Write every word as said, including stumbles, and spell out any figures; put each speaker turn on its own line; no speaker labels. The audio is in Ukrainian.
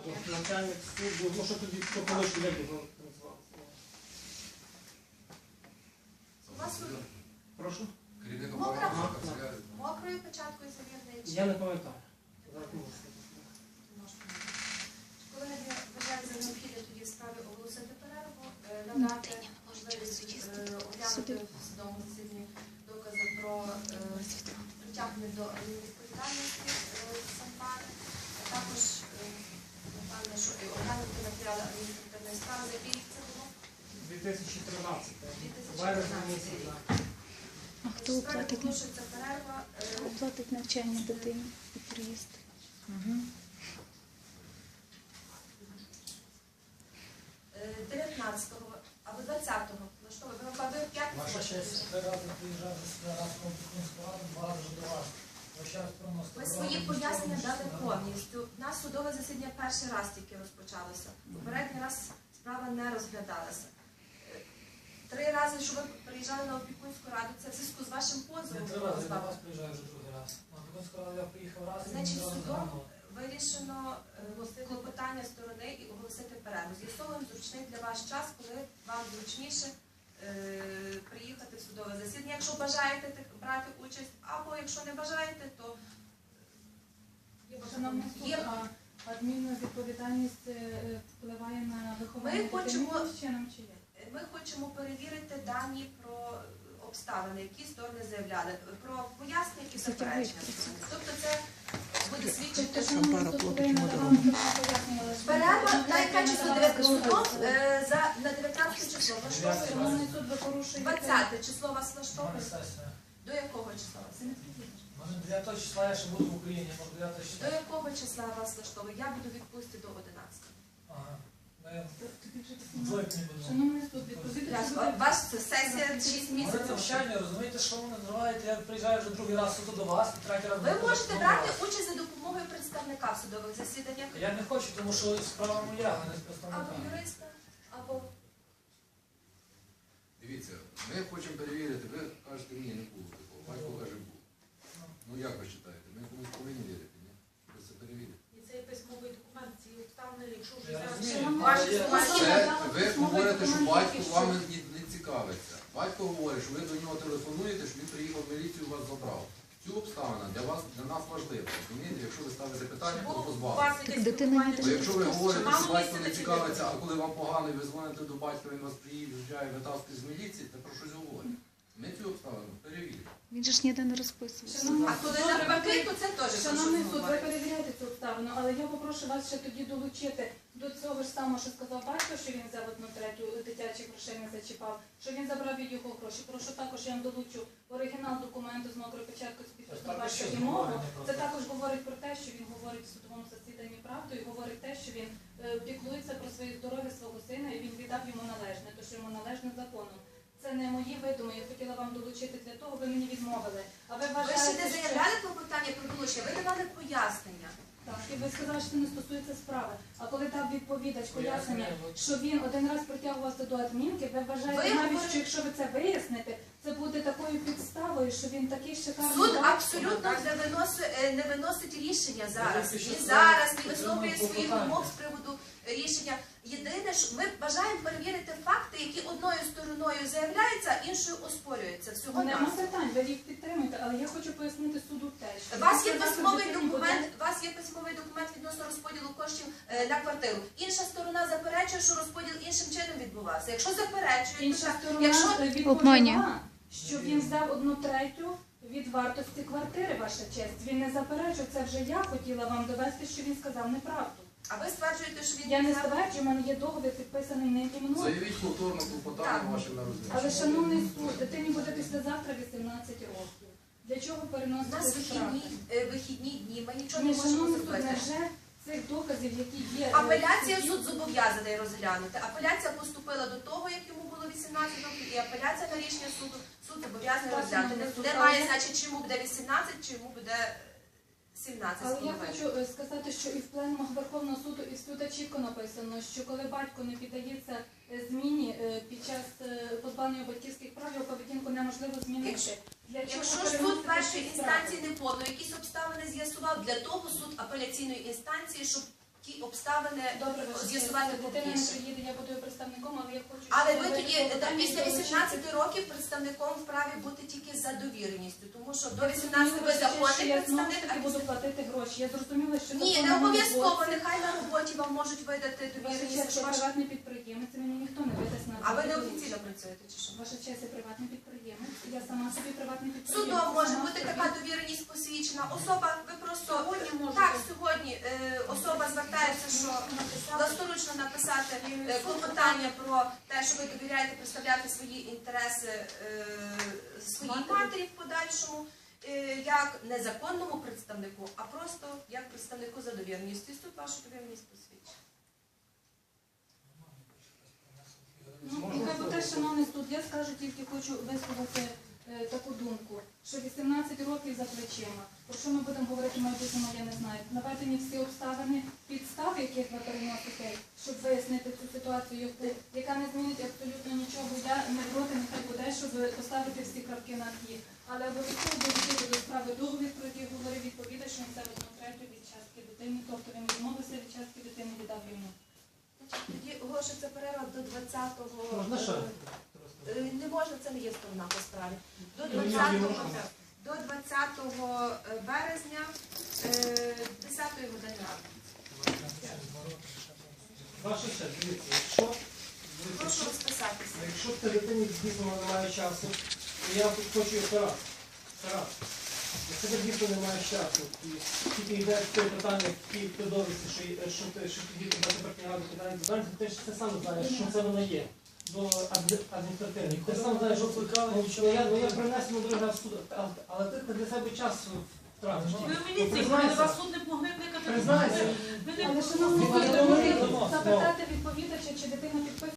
Начальник суду, ну що тоді по колишньому як його називалося?
У вас
Прошу?
мокрою печаткою завірної чи?
Я не пам'ятаю.
Коли не вважають за необхідне тоді в справі оголосити перерву, надати можливість оглянути в судовому засіданні докази про притягнення до адмінвідповідальності Сампари, а також, напевно, що оглянути матеріали адміністративної справи, за який рік це було?
дві тисячі тринадцятий. Березня місяць, так.
А хто оплатить,
перерва,
оплатить навчання дитини і приїзд?
Угу.
дев'ятнадцятого або двадцятого, ну що ви, ви в п'ятницю?
Ваша честь, три рази приїжджав, раз в Комп'ютерську раду, два рази до вас.
Ми свої пояснення дали повністю. У нас судове засідання перший раз тільки розпочалося. Попередній раз справа не розглядалася. Три рази, що ви приїжджали на опікунську раду, це в зв'язку з вашим позовом.
Не три рази, я до вас приїжджаю вже другий раз. На опікунську раду я приїхав раз і
Значить,
не
судом вирішено клопотання сторони і оголосити перерву. З'ясовуємо зручний для вас час, коли вам зручніше приїхати в судове засідання. Якщо бажаєте брати участь, або якщо не бажаєте, то
є адмінна відповідальність впливає на виховання дитини чином чи як?
Ми хочемо перевірити дані про обставини, які сторони заявляли, про пояснення, які заперечення. Тобто це буде свідчити, що перерва на яке число судом на дев'ятнадцяте число влаштовує. двадцяте число вас влаштовує? До якого числа вас?
Може дев'ятого числа я ще буду в Україні, може дев'ятого числа.
До якого числа вас влаштовує? Я буду відпустити до одинадцятого.
Ага. Двойки буду.
Шановний суд, відповідати
Ваш сесія шість
Може
місяців.
це вчання, розумієте, що ви називаєте, я приїжджаю вже другий раз суду до вас, і третій раз
Ви
до
можете
вас.
брати участь за допомогою представника в судових засіданнях.
Я не хочу, тому що справа моя, а не з
Або
представника.
юриста, або...
Дивіться, ми хочемо перевірити, ви кажете, ні, не було такого, батько каже, було. Ну як ви вважаєте? Ми комусь повинні вірити, ні? Ви це перевірите.
І цей письмовий документ, ці обставини, якщо вже
Я
зараз...
розумію.
Це ви говорите, що батько вами не цікавиться. Батько говорить, що ви до нього телефонуєте, що він приїхав в міліцію, вас забрав. Цю обставину для вас, для нас важлива. Розумієте, якщо ви ставите питання, то позбавити.
Так дитина не
Бо якщо ви говорите, що батько не цікавиться, а коли вам погано, і ви дзвоните до батька, він вас приїжджає, витаскує з міліції, це про щось говорить. Ми цю обставину перевіримо.
Він же ж ніде не розписувався.
А коли навпаки, то це теж
Шановний суд, ви перевіряєте цю обставину, але я попрошу вас ще тоді долучити до цього ж самого, що сказав батько, що він взяв одну третю дитячих грошей не зачіпав, що він забрав від його гроші. Прошу також, я вам долучу оригінал документу з мокрою печаткою з підписом батька і мову. Це також говорить про те, що він говорить в судовому засіданні правду і говорить те, що він піклується про своє здоров'я свого сина і він віддав йому належне, то що йому належне законом. Це не мої видуми, я хотіла вам долучити для того, ви мені відмовили. А ви
Ви
вважаєте,
ще не
що...
заявляли клопотання про долучення, ви давали пояснення.
Так, і ви сказали, що це не стосується справи. А коли дав відповідач пояснення, що він один раз притягувався до адмінки, ви вважаєте
Ви
навіть,
говорите-
що якщо ви це виясните, це буде такою підставою, що він такий шикарний
Суд
батько.
абсолютно не виносить, не виносить рішення зараз. Ні зараз, ні висловлює своїх вимог з приводу рішення. Єдине, що ми бажаємо перевірити факти, які одною стороною заявляються, а іншою оспорюються. Всього
Нема
нас.
питань, ви їх підтримуєте, але я хочу пояснити суду те, що...
У вас є
Сказати
письмовий
дитині
документ, у вас є письмовий документ відносно розподілу коштів е, на квартиру. Інша сторона заперечує, що розподіл іншим чином відбувався. Якщо заперечує, то
Інша
так.
сторона
Якщо
відповіла, що він взяв одну третю від вартості квартири, ваша честь. Він не заперечив, це вже я хотіла вам довести, що він сказав неправду.
а ви стверджуєте, що він
Я не
взяв-
стверджую, у мене є договір підписаний ним і мною.
Заявіть повторно клопотання ваше на
Але,
розгляд.
шановний суд, дитині буде післязавтра вісімнадцять років. Для чого
У
переносити
нас
справу?
вихідні, е, вихідні дні, ми нічого не
Ні,
можемо
шановний суд,
зробити.
невже цих доказів, які є...
Апеляція
е,
суд зобов'язаний розглянути. Апеляція поступила до того, як йому було вісімнадцять років, і апеляція на рішення суду, суд зобов'язаний
Так,
розглянути.
шановний суд,
Немає,
але-
значить, чи йому буде вісімнадцять, чи йому буде сімнадцять.
Але я
з половиною.
хочу е, сказати, що і в пленумах Верховного суду, і в суду чітко написано, що коли батько не піддається е, зміні е, під час е, позбавлення батьківських прав, його поведінку неможливо змінити.
Якщо-
Для чого
Якщо ж суд
переносити
першої
ці справи?
інстанції не подав, якісь обставини з'ясував, для того суд апеляційної інстанції, щоб ті обставини
Добре, ваша
з'ясувати
честь, дитина не
публічно.
приїде, я буду її представником, але я хочу...
Але
щоб
ви
ви
тоді
було
та,
питання
після
долучити.
вісімнадцяти років представником вправі бути тільки за довіреністю, тому що до
Я
вісімнадцяти ви
зрозуміла, що
законний
я знову ж
представник, а
таки буду
після...
платити гроші. Я зрозуміла, що
Ні,
закон
не
на моєму
обов'язково,
боці.
нехай на роботі вам можуть видати
Ваша
довіреність.
честь,
що
я
ваш-
приватний підприємець, і мені ніхто не видасть на
А ви не
роботу.
офіційно працюєте чи що?
Ваша честь, я приватний підприємець. Я сама собі приватний підприємець.
Судом може
Сама
бути
собі-
така довіреність посвідчена. Особа, ви просто
Сьогодні можете.
так сьогодні е, особа звертається, що власноручно написати е, клопотання про те, що ви довіряєте представляти свої інтереси е, своїй матері в подальшому, е, як незаконному представнику, а просто як представнику за довіреністю. І суд вашу довіреність посвідчить.
Ну, нехай буде, шановний суд, я скажу, тільки хочу висловити е, таку думку, що вісімнадцять років за плечима. Про що ми будемо говорити в майбутньому, я не знаю. Наведені всі обставини, підстави, яких ви переносите, щоб вияснити цю ситуацію, яку, яка не змінить абсолютно нічого. Я не проти, нехай буде, щоб поставити всі крапки на «і». Але обов'язково долучити до справи договір, про який говорив відповідач, що він це одну третю від частки дитини, тобто він відмовився від частки дитини, віддав йому.
Тоді оголошується перерва до двадцятого.
Можна ще?
Е, Не можна, це не є сторона по справі. До
Ну, ні, ні,
двадцятого,
можна.
до двадцятого березня е, десятої години ранку.
Ваша честь, дивіться, якщо, дивіться,
Прошу
якщо,
розписатися.
якщо в дитині дійсно немає часу, то я тут хочу операцію. Операцію. Якщо тебе дійсно немає часу, і тільки йде те питання, які ти довідці, що, є- що ти, що тоді тебе тепер ради питання питання, ти ж це сам знаєш, що це воно є. До адмі- адміністративних. Ти сам знаєш, що ну, що я, ну, я принесу на другий раз в суд, але, але ти для себе час втратиш.
Ви в
Ну,
міліції, коли
признайся.
вас суд не могли викликати.
Признайся.
Ви не
Але, шановний
Ну,
суд,
ну,
ви
ну,
можете запитати відповідача, чи дитина підписує